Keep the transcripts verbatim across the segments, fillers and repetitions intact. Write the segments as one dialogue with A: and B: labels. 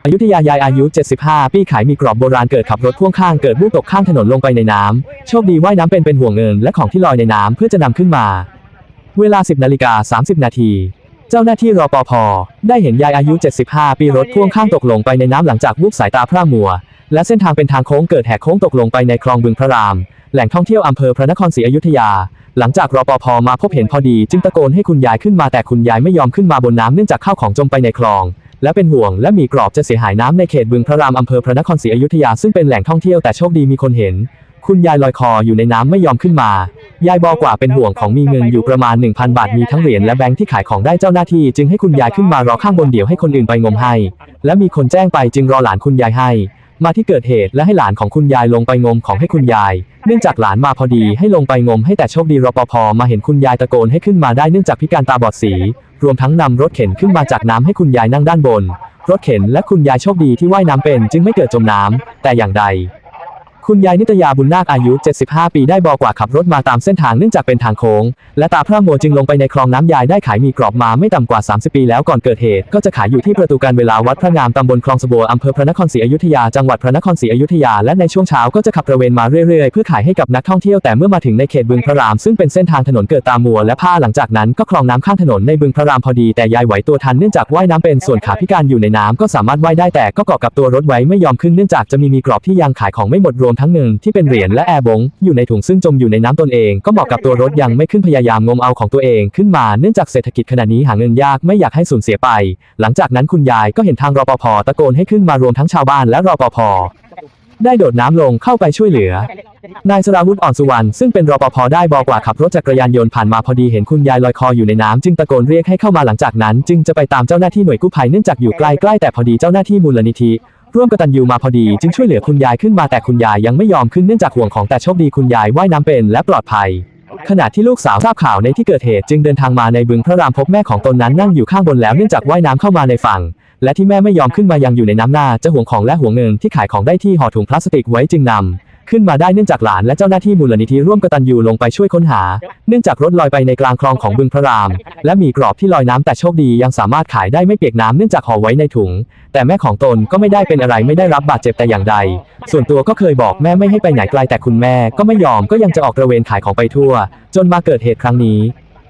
A: อยุธยายายอายุเจ็ดสิบห้าปีขายมีกรอบโบราณเกิดขับรถพ่วงข้างเกิดวูบตกข้างถนนลงไปในน้ำโชคดีว่ายน้ำเป็นเป็นห่วงเงินและของที่ลอยในน้ำเพื่อจะนำขึ้นมาเวลาสิบนาฬิกาสามสิบนาทีเจ้าหน้าที่รปภ.ได้เห็นยายอายุเจ็ดสิบห้าปีรถพ่วงข้างตกลงไปในน้ำหลังจากวูบสายตาพร่ามัวและเส้นทางเป็นทางโค้งเกิดแหกโค้งตกลงไปในคลองบึงพระรามแหล่งท่องเที่ยวอำเภอพระนครศรีอยุธยาหลังจากรปภ.มาพบเห็นพอดีจึงตะโกนให้คุณยายขึ้นมาแต่คุณยายไม่ยอมขึ้นมาบนน้ำเนื่องจากข้าวของจมไปในคลองและเป็นห่วงและมีกรอบจะเสียหายน้ำในเขตบึงพระรามอำเภอพระนครศรีอยุธยาซึ่งเป็นแหล่งท่องเที่ยวแต่โชคดีมีคนเห็นคุณยายลอยคออยู่ในน้ำไม่ยอมขึ้นมายายบอกว่าเป็นห่วงของมีเงินอยู่ประมาณ หนึ่งพัน บาทมีทั้งเหรียญและแบงค์ที่ขายของได้เจ้าหน้าที่จึงให้คุณยายขึ้นมารอข้างบนเดี๋ยวให้คนอื่นไปงมให้และมีคนแจ้งไปจึงรอหลานคุณยายให้มาที่เกิดเหตุและให้หลานของคุณยายลงไปงมของให้คุณยายเนื่องจากหลานมาพอดีให้ลงไปงมให้แต่โชคดีรปภ.มาเห็นคุณยายตะโกนให้ขึ้นมาได้เนื่องจากพิการตาบอดสีรวมทั้งนำรถเข็นขึ้นมาจากน้ำให้คุณยายนั่งด้านบนรถเข็นและคุณยายโชคดีที่ว่ายน้ำเป็นจึงไม่เกิดจมน้ำแต่อย่างใดคุณยายนิตยาบุญนาคอายุเจ็ดสิบห้าปีได้บอกว่าขับรถมาตามเส้นทางเนื่องจากเป็นทางโค้งและตาพร่ามัวจึงลงไปในคลองน้ำยายได้ขายมีกรอบมาไม่ต่ำกว่าสามสิบปีแล้วก่อนเกิดเหตุก็จะขายอยู่ที่ประตูการเวลาวัดพระงามตำบลคลองสะบัวอำเภอพระนครศรีอยุธยาจังหวัดพระนครศรีอยุธยาและในช่วงเช้าก็จะขับตระเวนมาเรื่อยๆเพื่อขายให้กับนักท่องเที่ยวแต่เมื่อมาถึงในเขตบึงพระรามซึ่งเป็นเส้นทางถนนเกิดตามัวและผ้าหลังจากนั้นก็คลองน้ำข้างถนนในบึงพระรามพอดีแต่ยายไหวตัวทันเนื่องจากว่ายน้ำเป็นส่วนขาพิการอยู่ในน้ำก็สามารถว่ายได้แต่ก็เกาะกับตัวรถไว้ไม่ยอมขึ้นเนื่องจากจะมีมีกรอบที่ยังขายของไม่หมดรวมทั้งเงินที่เป็นเหรียญและแอร์บงอยู่ในถุงซึ่งจมอยู่ในน้ำตนเองก็เหมาะกับตัวรถยังไม่ขึ้นพยายามงมเอาของตัวเองขึ้นมาเนื่องจากเศรษฐกิจขณะนี้หาเงินยากไม่อยากให้สูญเสียไปหลังจากนั้นคุณยายก็เห็นทางรปภ.ตะโกนให้ขึ้นมารวมทั้งชาวบ้านและรปภ.ได้โดดน้ำลงเข้าไปช่วยเหลือนายสราวุฒิอ่อนสุวรรณซึ่งเป็นรปภ.ได้บอกว่าขับรถจักรยานยนต์ผ่านมาพอดีเห็นคุณยายลอยคออยู่ในน้ำจึงตะโกนเรียกให้เข้ามาหลังจากนั้นจึงจะไปตามเจ้าหน้าที่หน่วยกู้ภัยเนื่องจากอยู่ใกล้ๆแต่พอดีเจ้าหน้าที่มูลนิธิร่วมกตัญญูมาพอดีจึงช่วยเหลือคุณยายขึ้นมาแต่คุณยายยังไม่ยอมขึ้นเนื่องจากห่วงของแต่โชคดีคุณยายว่ายน้ำเป็นและปลอดภัยขณะที่ลูกสาวทราบข่าวในที่เกิดเหตุจึงเดินทางมาในบึงพระรามพบแม่ของตนนั้นนั่งอยู่ข้างบนแล้วเนื่องจากว่ายน้ำเข้ามาในฝั่งและที่แม่ไม่ยอมขึ้นมายังอยู่ในน้ำหน้าจะห่วงของและห่วงเงินที่ขายของได้ที่ห่อถุงพลาสติกไว้จึงนำขึ้นมาได้เนื่องจากหลานและเจ้าหน้าที่มูลนิธิร่วมกตัญญูลงไปช่วยค้นหาเนื่องจากรถลอยไปในกลางคลองของบึงพระรามและมีกรอบที่ลอยน้ำแต่โชคดียังสามารถขายได้ไม่เปียกน้ำเนื่องจากห่อไว้ในถุงแต่แม่ของตนก็ไม่ได้เป็นอะไรไม่ได้รับบาดเจ็บแต่อย่างใดส่วนตัวก็เคยบอกแม่ไม่ให้ไปไหนไกลแต่คุณแม่ก็ไม่ยอมก็ยังจะออกตระเวนขายของไปทั่วจนมาเกิดเหตุครั้งนี้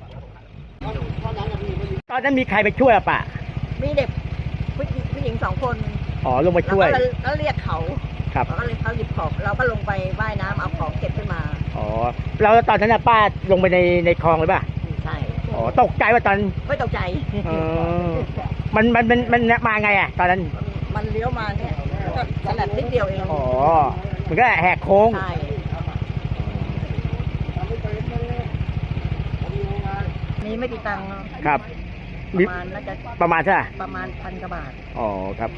B: ตอนนั้นมีใครไปช่วยอ่ะป่ะ
C: มีเด็กผู้หญิงผู้หญิงสองคน
B: อ๋อลงไปช่วย
C: แล้วเรียกเขา
B: ครับ
C: เขาเลยเขาหยิบของเราก็ลงไปว่ายน้ำเอาของเก็บขึ้นมา
B: อ๋อแล้วตอนนั้นป้าลงไปในในคลองเลยป่ะ
C: ใช่
B: อ๋อตกใจว่าตอน
C: ไม่ตกใจ
B: อ๋อมันมันมันมันมาไงอ่ะตอนนั้น
C: มันเลี้ยวมาเนี่ยก็ขนาดนิดเดียวเอง
B: อ๋อมันก็แหกโค้ง
C: ใช่มีไม่กี่ตังค์
B: ครับ
C: ประมาณน่าจะ
B: ประมาณใช่ไหม
C: ประมาณพันกว่าบาท
B: อ๋อครับ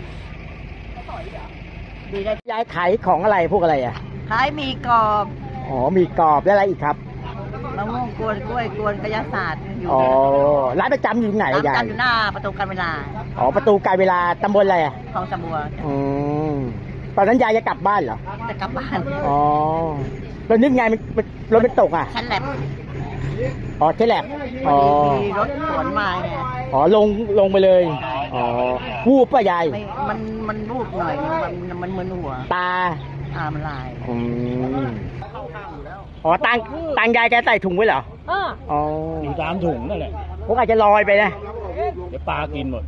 B: ดีได้ย้ายขายของอะไรพวกอะไรอ่ะ
C: ขายมีกรอบ
B: อ๋อมีกรอบแล้วอะไรอีกครับ
C: มะม่วงกวนกล้วยกวนกระยาศาสตร์อยู่
B: อ๋อร้านประจำอยู่ไหนยาย
C: ร้านประจำอยู่หน้าประตูการเวลา
B: อ๋อประตูการเวลาตำบลอะไรอ่ะ
C: คลองสะบัว
B: อืมตอนนั้นยายจะกลับบ้านเหรอ
C: จะกลับบ้าน
B: อ๋อแล้วนึกไงมันรถมันตกอ่ะ
C: ชั้นแลบ
B: อ๋อใช่แหละอ๋อ
C: มีรถสวนมาไง
B: อ๋อลงลงไปเลยอ๋อวูบป่ะยาย
C: มันมันวูบหน่อยมันมันมึนหัว
B: ตา
C: ตามันลาย
B: อืมอ๋อตังตังยายแกใส่ถุงไว้เหรออ๋อ
D: อยู่ตามถุงนั่นแหละ
B: พวกอาจจะลอยไปนะ
D: เดี๋ยวปลากินหมด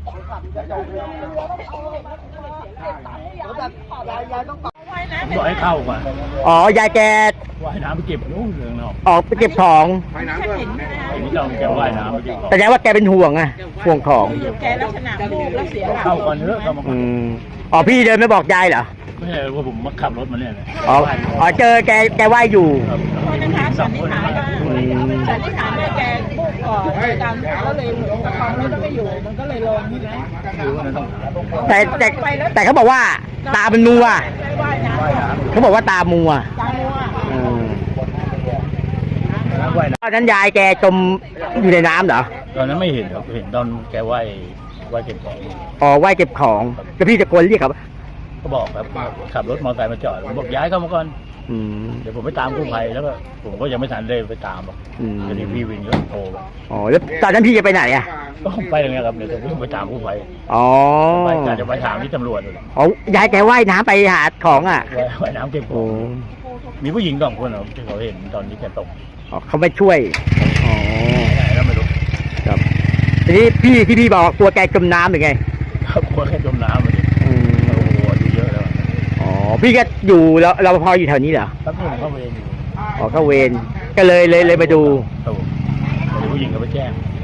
D: บอกให้เข้าก่อน
B: อ๋อยายแก
D: ว่ายน้ำไปเก็บนู่นเรื่องนอก
B: ออกไปเก็บของ
D: ว่ายน้ำด้วยนี่ต้องแกว่ายน้ำไปเก็บของ
B: แสดงว่าแกเป็นห่วงอะห่วงของ
C: แกลักษณะวูบแล้วเสีย
D: เข้าก่อนเถอะเข้ามา
B: อืมอ๋อพี่เดินไม่บอกยายเหรอ
D: ไม่ใช่ว่าผมมาขับรถมาเนี่ย
B: อ๋ออ๋อเจอแกแกว่ายอยู่
C: นะคะสันนิษฐานว่าสันนิษฐานว่าแกวูบก่อนการก็เลยประคองรถไม่อยู่มันก็เลยลงใช่ไหม
B: แต่แต่แต่เขาบอกว่าตาเป็นมัวเขาบอกว่าตามัว
C: ตามัว
B: ตอนนั้นยายแกจมอยู่ในน้ำเหรอ
D: ตอนนั้นไม่เห็นครับเห็นตอนแกว่ายว่ายเก็บของ
B: อ๋อว่ายเก็บของแล้วพี่ตะโกนเรียกครับ
D: ก็บอกครับขับรถมอเตอร์ไซค์มาจอดผมบอกย้ายเข้ามาก่อน
B: อืม
D: เดี๋ยวผมไปตามกู้ภัยแล้วก็ผมก็ยังไม่ทันได้ไปตามหรอก
B: อืม
D: เดี๋ยวนี้พี่วินก็โทรไป
B: อ๋อแล้วตอนนั้นพี่จะไปไหนอ่ะ
D: ก็ไปอย่างเงี้ยครับเดี๋ยวผมไปตามกู้ภัย
B: อ๋อ
D: ไปกะจะไปถามที่ตำรวจเลย
B: อ๋อยายแกว่ายน้ำไปหาของอ่ะ
D: ว่ายว่ายน้ำเก็บข
B: โอ้
D: องมีผู้หญิงสองคนเหรอที่เขาเห็นตอนนี้แกตก
B: อ๋อเขาไปช่วย อ๋อ
D: ไหนแล้วไม่รู้
B: ครับ ทีนี้พี่ที่พี่บอกกลัวแกจมน้ำหรือไง
D: เขากลัวแค่จมน้ำมาดิ
B: อืม
D: โอ้โหอายุเยอะแล้ว
B: อ๋อ พี่ก็อยู่แล้วเราพออยู่แถวนี้เหรอ
D: แป๊บนึงเข้าเวรอยู่
B: อ๋อเข้าเวรก็เลยเลยเลยมาดู
D: โอ้โหเดี๋ยวผู้หญิงก็ไปแจ้ง